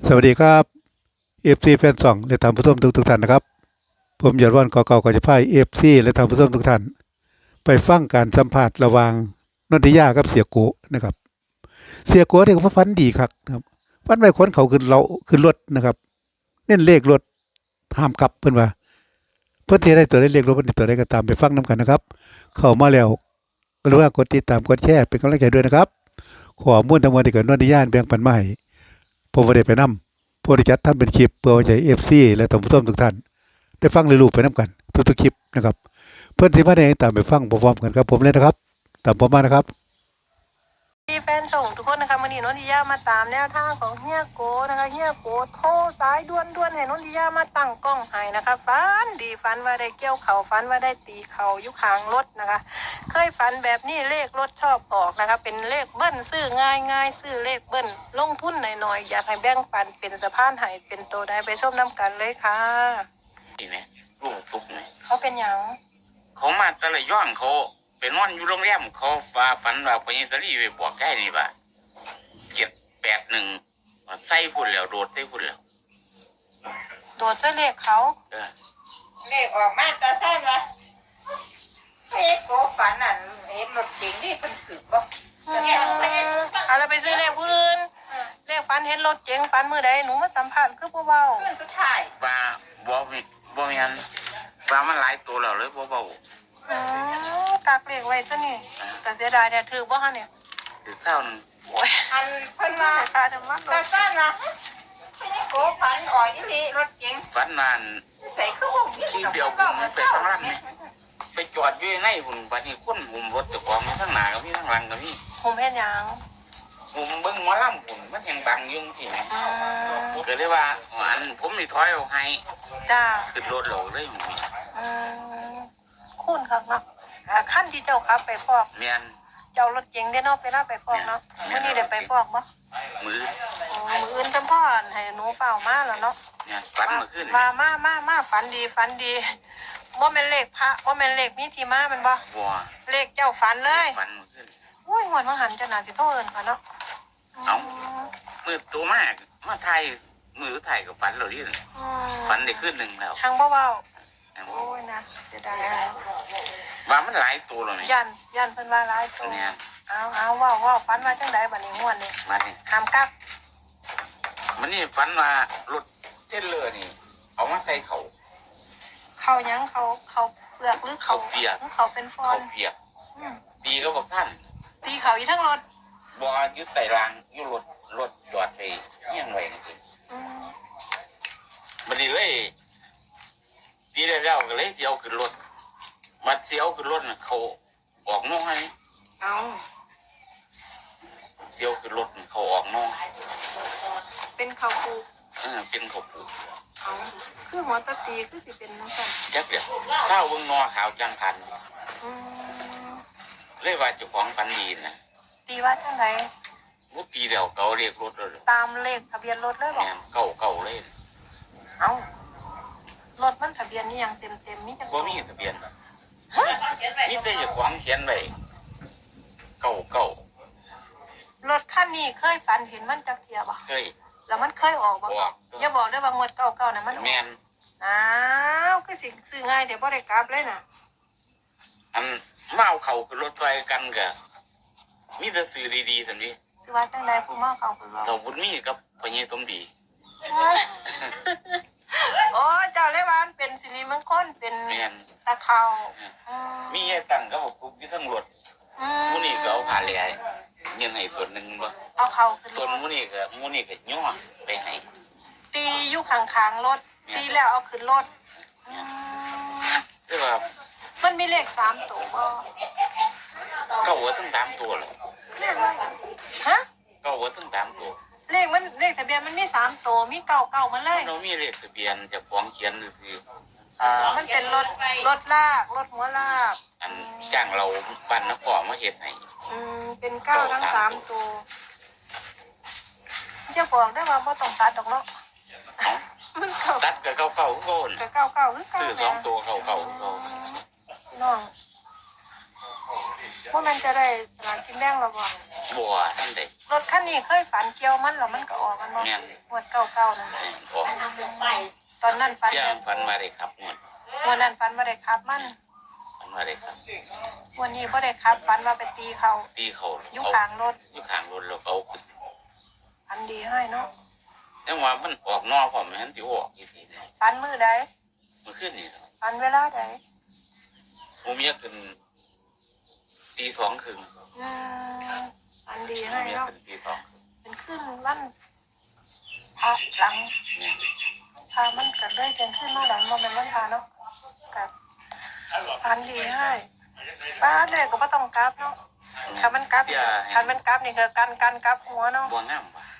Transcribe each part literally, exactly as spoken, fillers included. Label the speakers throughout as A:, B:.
A: สวัสดีครับเอฟซีแฟนสองและท่านผู้ชมทุกทุกท่านนะครับผมยอดวันก่อเก่าก่อจะพายเอฟซีและท่านผู้ชมทุกท่านไปฟังการสัมภาษณ์ระหว่างนนทิยากับเสียโกนะครับเสียโกเนี่ยเขาฟันดีครับนะครับฟันไปคนเขาขึ้นเราขึ้นรถนะครับเน้นเลขรถห้ามกลับเพิ่นว่าเพื่อที่ได้ตัวได้เลขรถเพิ่นตัวได้ก็ตามไปฟังน้กันนะครับเข้ามาแล้วก็รู้ว่ากดติดตามกดแชร์เป็นกำลังใจด้วยนะครับขอมุ่นทั้งมวลที่เกิดนนทิยาแบ่งปันมาให้ผมบ่ได้ไปนำ ผู้ที่จัดทำเป็นคลิปเพื่อไว้ใช้ เอฟ ซี และท่านผู้ชมทุกท่านได้ฟังได้รู้ไปนํกันทุกๆคลิปนะครับเพื่อนที่มาได้ตามไปฟังพร้อมๆกันครับผมเลยนะครับตามผมมานะครับ
B: พี่แฟนส่งทุกคนนะคะวันนี้นนทิยามาตามแนวทางของเฮียโกนะคะเฮียโกโทรสายด่วนๆให้นนทิยามาตั้งกล้องให้นะคะฟันดีฟันว่าได้เกี่ยวเข่าฟันว่าได้ตีเข่ายุคางรถนะคะเคยฟันแบบนี้เลขรถชอบออกนะคะเป็นเลขเบิ้ลซื้อง่ายง่ายซื้อเลขเบิ้ลลงทุนหน่อยๆอยากให้แบ่งปันเป็นสะพานให้เป็นตัวได้ไปชมน้ำกันเลยค่ะ
C: นี่ไหมลูกทุกไหม
B: เขาเป็นอย่าง
C: เขามาแตะละย้อนเขาเป็นนอนอยู่โรงแรมเขาฟ้าฝันว่าพญาตรีไปบอกได้นี่ว่าเจ็ดแปดหนึ่งใส่พุ่นแล้วโดดใส่พุ่นแล้ว
B: โดดเสื้อเลขเขา
D: เลขออกมาตาสั้นวะเฮ้ยโกฝันอ่ะเห็นรถเก๋งที่เป็นขืบก็
B: เอาเราไปซื้อเลขพื้นเลขฟันเห็นรถเจ๋งฟันมือใดหนูมาสัมผัสคือผู้เบา
D: ขึ้นสุดท้าย
C: ว่าบ่มีบ่มีอันว่ามันหลายตัวแล้วเลยบ่เบา
B: อืมตากเลขไว้ซะนี่แต่เสียดายเนี่ยถือบ่ฮะเนี่ย
C: ถือเศร้านึง
B: โอ้ย
D: อันเพิ่นว่า
B: ตาดำมาก
D: ตาสั้นวะเฮ้ยโกฝันอ่อยอีหลีรถเก๋ง
C: ฝันนาน
D: ใส่คือผม
C: ที่เดียวผมไปข้างล่างนี่ไปจอดอยู่ในหุ่นบัดนี้คนหุ่มรถเจ้าของมีทั้งหน้ากับมีทั้งหลังกับมี
B: ผมเห็นยัง
C: หุ่มเบิ่งหมอลำหุ่นมันยังบังยุ่งที่ไหนก็เลยว่าอันผมนี่ถอยออกให้
B: จ้า
C: ขึ้นรถเราเลยหุ่นนี่
B: อืมคุณครับเนาะขั้นที่เจ้าครับไปฟอก
C: เมียน
B: เจ้ารถเก๋งได้นอกไปลาไปฟอกเนาะมื้อนี้ได้ไปฟอกบ่
C: มือ
B: มืออื่นจำพ่อให้หนูเฝ้ามาแล้วเนาะ
C: เนี่ยฝันเมื่อคืน
B: มามามามาฝันดีฝันดีว่าเป็นเลขพระว่าเป็นเลขมีที่มามันบ่เลขเจ้าฝันเลย
C: ฝันเมื่อคืน
B: โอ้ยหัวมาหันจะน่าสิโทษเอิ้นค่ะเนาะ
C: เอามือตัวมากมาไทยมือไทยกับฝันเราดิฝันได้ขึ้นหนึ่งแล้ว
B: ทางเบาๆโอ้ยนะเสียดาย
C: ว่ามันหลายตัวเลย
B: ยันยันเพิ่นว่าหลายตัวเอาเอาว้าวว้าวฝันว่าจังไดบัดนี้ม่วนนี่
C: มานี่
B: ห้ามกัก
C: มันนี่ฝันว่ารถเส้นเลือนี่เอามาใส่เขา
B: เขายังเขาเขาเปลือกหรือเขา
C: เปียก
B: เขาเป็นฟอน
C: เขาเปียกตีก็บอกท่าน
B: ตีเขาอยู่ทั้งรถ
C: บ่ยึดไต่รางยึดรถรถจอดไปเงี้ยงไว้จริงมันนี่เลยตีได้แล้วก็เลยเที่ยวขึ้นรถมาเที่ยวขึ้นรถน่ะเขาออกน้อย
B: เอา
C: เที่ยวขึ้นรถเขาออกน้อง
B: เป็นเขาปู
C: เออเป็นเขาปู
B: เอาคือหัวตะตีคือสิเป็นน้ำกัน
C: จักเดียวเศร้าเบิ่งนอขาวจังพันเลยว่าเจ้าของปันดีนะ
B: ตีว่าจังไง
C: วุตีเดียวเก่าเรียกรถเลย
B: ตามเลขทะเบียนรถเลยบอก
C: เก่าเก่าเลย
B: เอารถมันทะเบียนนี่ยังเต็มเต็มนี่จัง
C: ว่ามีทะเบียนนี่แต่เจ้าของเขียนไว้เก่าเก่าร
B: ถคันนี้เคยฝันเห็นมันจักเทียบ่
C: เคย
B: แล้วมันเคยออกบ่อย่าบอกได้ว่างวดเก่าๆนะมัน
C: แม่น
B: อ้าวคือสิซื้อง่ายแต่บ่ได้กลับเลยน่ะ
C: อันเมาเขาคือรถไฟกันก็มีแต่สื่อดีๆซั่นดิ
B: คือว่าจังได๋ผู้เมาเขาคือว่า
C: เราบุญมีกับพญาสมดี
B: โอ้เจ้าเลยว่ามันเป็นสิริมงคลเป็นตะเขา
C: มีให้ตั้งก็บอกทุกที่ทั้งรถมูนี่ก็เอาผ่าเลยเงินให้ส่วนหนึ่งบ่
B: เอาเขา
C: ส่วนมูนี่ก็มูนี่ก็ย่อไปให้
B: ตีอยู่ข้างๆรถตีแล้วเอาขึ้นรถ
C: แต่ว่า
B: มันมีเลขสามตัวบ่
C: เก้าหัวทั้งสามตัวเลย
B: ฮะ
C: เก้าหัวทั้งสามตัว
B: เลขมันเลขทะเบียนมันมีสามตัวมีเก้าเก้ามันเลย
C: เรามีเลขทะเบียนจะฟ้องเขียนคือ
B: อ่ามันเป็นรถรถลากรถหัวลาก
C: อันจ้างเราปั่นนักขอมาเห็ดให้
B: อืมเป็นเก้าทั้งสามตัวจะบอกได้ว่าบ่ต้องตัดดอกเนาะ
C: มันตัดกับเก้าเก้าโคน
B: กับเก้าเก้าคือเก้า
C: ซื้อสองตัวเก้าเก้าโคน
B: น้องว่ามันจะได้สลากกินแบ่งหรอบ่
C: บัวท่านเด็ก
B: รถคันนี้เคยฝันเกี่ยวมันแล้วมันก็ออกมันบ่
C: แม่น
B: งวดเก่าๆนั่น
C: เอ
B: น่ะ
C: อออก
B: ตอนนั้นฝัน
C: เที่ยงฝันมาได้ครับงวด
B: งวดนั้นฝันบ่ได้ขับมัน
C: ฝันมาได้ครับ
B: งวันนี้บ่ได้ขับฝันว่าไปตีเขา
C: ตีเขา
B: อยู่
C: เอา
B: ข้างรถ
C: อยู่ข้างรถแล้วเอาขึ้น
B: ฝันดีให้เนาะ
C: ยังว่ามันออกนอกผมมันสิออกอีกทีนึง
B: ฝันมื้อใด
C: เมื่อคืนนี่
B: ฝันเวลาใด
C: ผมเมียขึ้นตีสองครึ่ง
B: อืมฝันดี
C: ผม
B: ให้
C: เมีย
B: เนาะ
C: ขึ้นตีสองครึ่ง
B: เป็นขึ้นวันพระหลัง
C: เนี่ย
B: พามันก็ได้เป็นขึ้นมาหลังบ่แม่นวันพาเนาะกับฝันดีให้ป้าเลยก็บ่ต้องกลับเนาะถ้ามันกลับ
C: เที่ย
B: ถ้ามันกลับนี่คือกันกันกลับหัวเนาะ
C: บัวงามว่ะ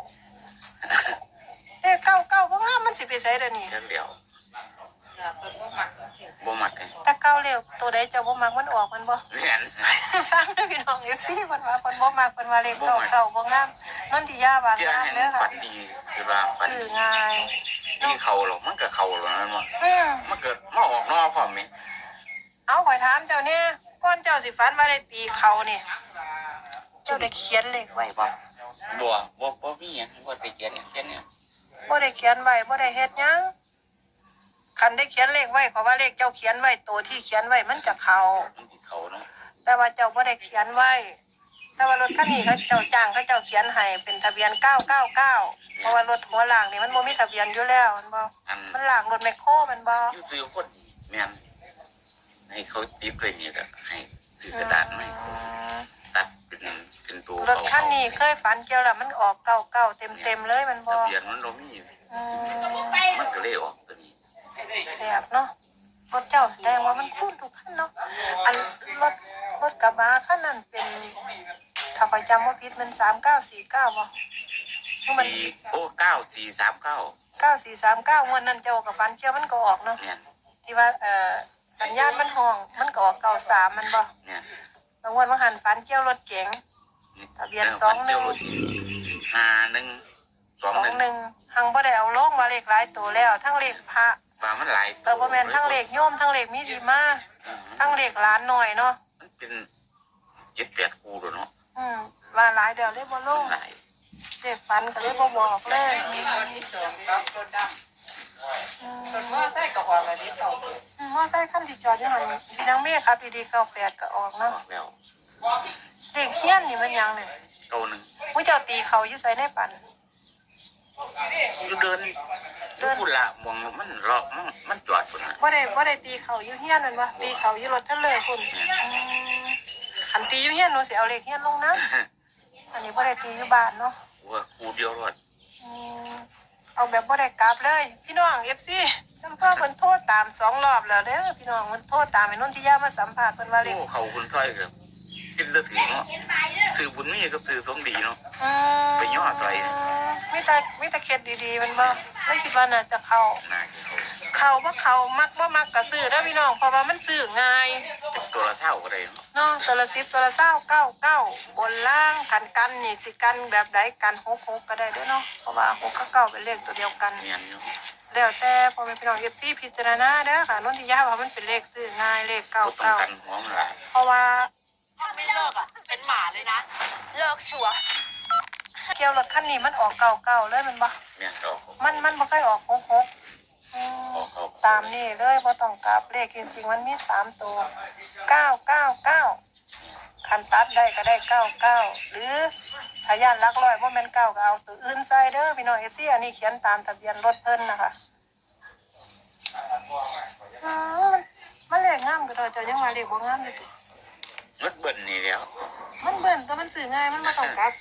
B: เอ้เก้าเก้าบ่งามมันสิไปไสเด้อนี่
C: จักเดียว
D: เนื้อคนบ่มัก
C: บ่มักกัน
B: ถ้าเก้าเร็วตัวใดเจ้าบ่มักมันออกมันบ่
C: เรียน
B: ฟังเด้อพี่น้อง เอฟ ซี เพิ่นว่าเพิ่นบ่มักเพิ่นว่าเลขเก้าเก้าบ่งามนนทิยาว่า
C: เที่ย
B: งาม
C: เห็น
B: เด้อ
C: ฝั
B: ค่ะ
C: นดีคือว่าฝัน
B: สื่อ
C: ดี
B: ง่าย
C: ที่เขาหรอกมันก็เขาหรอกนั่นวะ
B: อืม
C: มันเกิดมาออกนอกพร้อมไหม
B: เอาข่อยถามเจ้าเนี่ยก่อนเจ้าสิฝันว่าได้ตีเขานี่เจ้าได้เขียนเลขไว้บ่
C: บัวบัวบัวมีหยังบัวไปเขียนหยังเขียนเนี่ย
B: บ่ได้เขียนไว้บ่ได้เฮ็ดหยังคันได้เขียนเลขไว้ขอว่าเลขเจ้าเขียนไว้ตัวที่เขียนไว้มันจะเข้า
C: มันติดเขาเนาะ
B: แต่ว่าเจ้าบ่ได้เขียนไว้ แต่ว่ารถคันนี้เขาเจ้าจ้างเขาเจ้าเขียนให้เป็นทะเบียนเก้าเก้าเก้าเพราะว่ารถหัวล่างนี่มันบ่มีทะเบียนอยู่แล้วมันบ่
C: อัน
B: มันล่างรถแมคโครมันบ่
C: อยูซื้อคนแม่นให้เขาติดเลยนี่แหละให้ซื้อกระดาษไหมาให้ตัดเป็นเป็นตัว
B: รถคันนี้เคยฝันเกี่ยวแล้วมันออกเก้าเก้าเต็มเต็มๆเลยมันบ่
C: ทะเบียนมันเรามี
B: อืม
C: มันก็เลยออกตัวนี้
B: แบบเนาะรถเจ้าแสดงว่ามันคุ้นทุกคันเนาะอันรถรถกระบะคันนั้นเป็นถ้าข้อยจำบ่ผิดมันสามเก้าสี่เก้าบ่มัน
C: สี่โอ้เก้าสี่สามเก้า
B: เก้าสี่สามเก้างวดนั้นเจ้ากับฝันเกี่ยวมันก็ออกเนาะ
C: เนี่ย
B: ที่ว่าเอ่อสัญญาณมันห้องมันก็ออกเก้าสามมันบ่
C: เนี่ย
B: บางวันบางหันฝันเกี่ยวรถเก๋ง ทะเบียนสองหนึ่ง
C: ห้าหนึ่งส
B: ส
C: อ
B: อง ง
C: หนึ่ง
B: หนึ่งหังบ่ได้เอาลงมาเลขหลายตัวแล้ว ทั้งเลขพระ
C: ว่ามันหลาย
B: เออบ่แม่นทั้งเลขโยมทั้งเลขมีดีมาทั้งเลขหลานหน่อยเนาะ
C: มันเป็นเจ็ดแปดคูเลยเนาะ
B: อืมว่าหลายเดี๋ยวเลยบ่ลง
C: หลาย
B: เลขฝันก็เลยบ่บอกเลย
D: อีกคนที่สองก็คนด
B: อืม
D: ำคนว่าใส่กระหอบแบบนี้ต่อ
B: อืมมอไซค์คันที่จอดอยู่หั่นพี่นางเมฆครับดีๆเก้าแปดก็ออก
C: อ
B: เนาะ
C: อกแล้ว
B: เลขเฮียนนี่มันหยังเนี่ย
C: เก้าหนึ่ง
B: ผู้เจ้าตีเขาอยู่ไสในปัน
C: อยู่เดินอยู่พุ่นละมองมันเลาะมันมันจอดพุ่นละ
B: บ่ได้บ่ได้ตีเขาอยู่เฮียนนั่นบ่ตีเขาอยู่รถทะเลพุ่นอืมอันตีอยู่เฮียนหนูสิเอาเลขเฮียนลงนะอันนี้บ่ได้ตีอยู่บ้านเนาะ
C: ว่าคูเดียวรอด
B: อืมเอาแบบบ่ได้กลับเลย พี่น้อง เอฟ ซี สัมภาษณ์เพิ่นโทษตามสองรอบแล้วเด้อพี่น้องมันโทษตามไอ้นนทิยามาสัมภาษณ์เพิ่นว่าเลข
C: โอ้เขาคุณต้อยกับกินตะถือเนาะสื่อบุญมีกับสื่อสงดีเนาะ
B: อืม
C: ไปย่อใส่
B: มีแต่มีแต่เคล็ดดีๆมันบ่ไม่คิดว่าน่าจะเข้า
C: น่าจะเขา
B: เข้าบ่เข้ามักบ่มักก็ซื้อเด้อพี่น้องเพราะว่ามันซื้อง่าย
C: เป็นตัวละเท่าก็ได้เนาะ
B: เนาะตัวละสิบตัวละเศร้าเก้าเก้าบนล่างกันกันนี่สิกันแบบใดกันหกหกก็ได้เด้วยเนาะเพราะว่าหกกับเก้าเป็นเลขตัวเดียวกัน
C: เมียนอยู่
B: แล้วแต่พอเป็นพี่น้องเอฟซีพิจารณาเด้อค่ะนนทิยาว่ามันเป็นเลขซื้อง่ายเลขเก้า
C: ก็ต้อง
B: เก้า
C: กันหัวมันหลาย
B: เพราะว่า
E: ไม่เลิกอ่ะ เป็นหมาเลยนะ เลิกชัวร์
B: เกี่ยวรถคันนี้มันออกเก้าเก้าเลยมันบ่
C: เมียนดอก
B: มันมันบ่เคยออกหกหกอืมตามนี่เลยบ่ต้องกลับเลขจริงๆมันมีสามตัวเก้าเก้าเก้าคันตัดได้ก็ได้เก้าเก้าหรือถ้าย่านหลักร้อยบ่แม่นเก้าก็เอาตัวอื่นใส่เด้อพี่น้องเอฟซีอันนี้เขียนตามทะเบียนรถเพิ่นนะคะอืมมันเลขงามก็โดยเจ้ายังว่าเลขบ่งามอยู่ติ
C: มันเบิ่นนี่แล้ว
B: มันเบิ่นก็มันซื้อง่ายมันบ่ต้องกลับ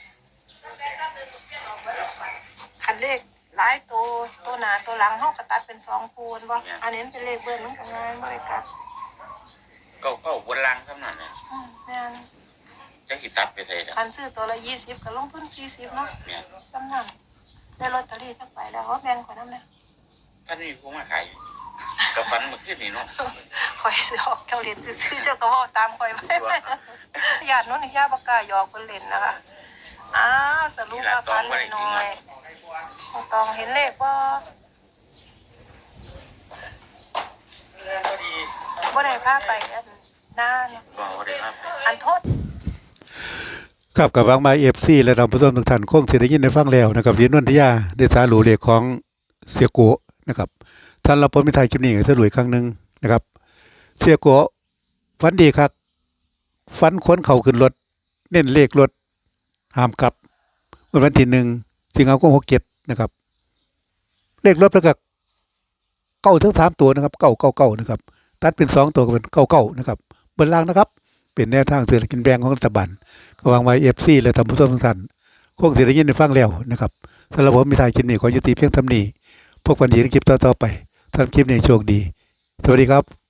B: คันเลขหลายตัวตัวหน้าตัวหลังเฮาก็ตัดเป็นสองคูณบ่อันนี้มันเป็นเลขเบิ่นมันก็ง่ายบ่ได้กลับ
C: ก็ก็บนลังเท่านั้นเนี่ย
B: อืมแม่น
C: จะขีดตัดไปไทยแล้ว
B: คันซื้อตัวละยี่สิบก็ลงทุนสี่สิบเนาะ
C: เมียน
B: จำนำได้ลอตเตอรี่สักใบแล้วเขาแบ่งข่อยนำเด้อ
C: ท่านมีผู้มาขายกับฟันเมื่อคืนนี่เนาะ
B: ข่อยสิออกเจ้าเหรียญซื้อๆเจ้าก็เว้าตามข่อยไว้ญาติโน้นนี่ญาติบ่กล้าหยอกเพิ่นเล่นนะคะอ้าวสรุปว่าพันหน่อยๆต้องเห็นเลขบ่บ่ได้พาไปอันนาน
C: ก็ได้ครับ
B: อันโทษ
A: ครับกับวังมาเอฟซีและท่านผู้ชมทุกท่านคงสิได้ยินได้ฟังแล้วนะครับสีนวลทิยาได้สารูเลขของเสียโกะนะครับท่านรับผลมิทายคลิปนี้ก็สรุปอีกครั้งหนึงนะครับ เสียโกะฝันดีครับฝันค้นเข่าขึ้นรถเน้นเลขรถห้ามกลับวันที่หนึ่งสิงหาคมหกเจ็ดนะครับ เลขรถแล้วก็เก้าถึงสามตัวนะครับเก้าเก้าเก้านะครับตัดเป็นสองตัวก็เป็นเก้าเก้านะครับบนล่างนะครับ เป็นแนวทางซื้อกินแบ่งของรัฐบาลก็วางไว้เอฟซีและทำผู้ชมทุกท่านคงสิได้ยินได้ฟังแล้วนะครับสำหรับผมมีทายคลิปนี้ขอยุติเพียงเท่านี้พบกันอีกในคลิปต่อๆไปทำคลิปนี้โชคดีสวัสดีครับ